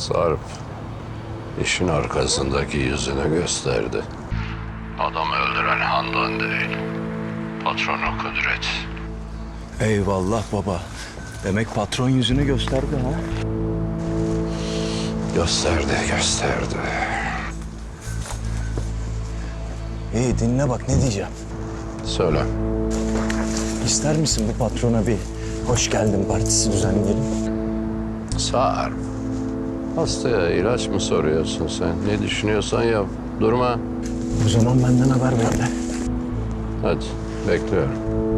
Sarp işin arkasındaki yüzünü gösterdi. Adamı öldüren Handan değil, patronu Kudret. Eyvallah baba. Demek patron yüzünü gösterdi ha? Gösterdi. İyi dinle bak ne diyeceğim. Söyle. İster misin bu patrona bir hoş geldin partisi düzenleyelim? Sarp. Hastaya ilaç mı soruyorsun sen? Ne düşünüyorsan yap. Durma. O zaman benden haber bekle. Hadi bekliyorum.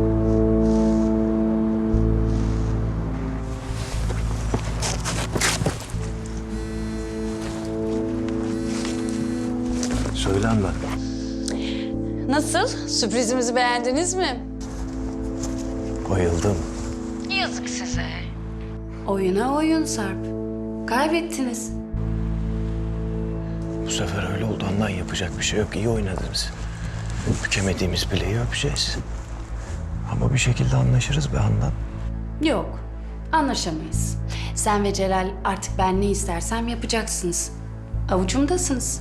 Söyle Handan. Nasıl? Sürprizimizi beğendiniz mi? Bayıldım. Yazık size. Oyuna oyun Sarp. Kaybettiniz. Bu sefer öyle oldu Handan, yapacak bir şey yok. İyi oynadınız. Bükemediğimiz bileği öpeceğiz. Ama bir şekilde anlaşırız be Handan. Yok, anlaşamayız. Sen ve Celal artık ben ne istersem yapacaksınız. Avucumdasınız.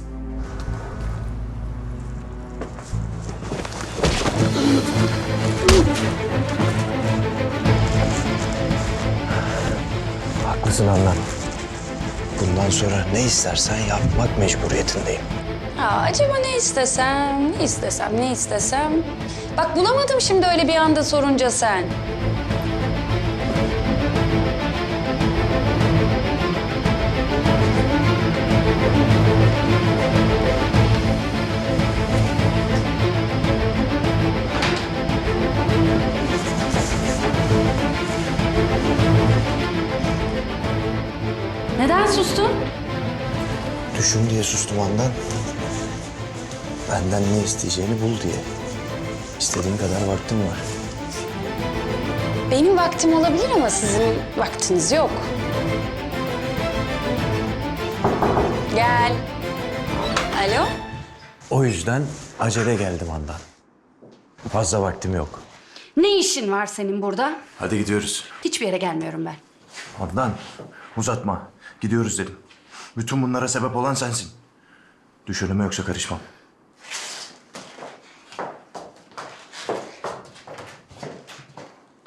Haklısın Handan. Bundan sonra ne istersen yapmak mecburiyetindeyim. Acaba ne istesem? Bak bulamadım şimdi öyle bir anda sorunca sen. Neden sustun? Düşün diye sustum Handan. Benden ne isteyeceğini bul diye. İstediğin kadar vaktim var. Benim vaktim olabilir ama sizin vaktiniz yok. Gel. Alo? O yüzden acele geldim Handan. Fazla vaktim yok. Ne işin var senin burada? Hadi gidiyoruz. Hiçbir yere gelmiyorum ben. Handan uzatma. Gidiyoruz dedim. Bütün bunlara sebep olan sensin. Düşürüme yoksa karışmam.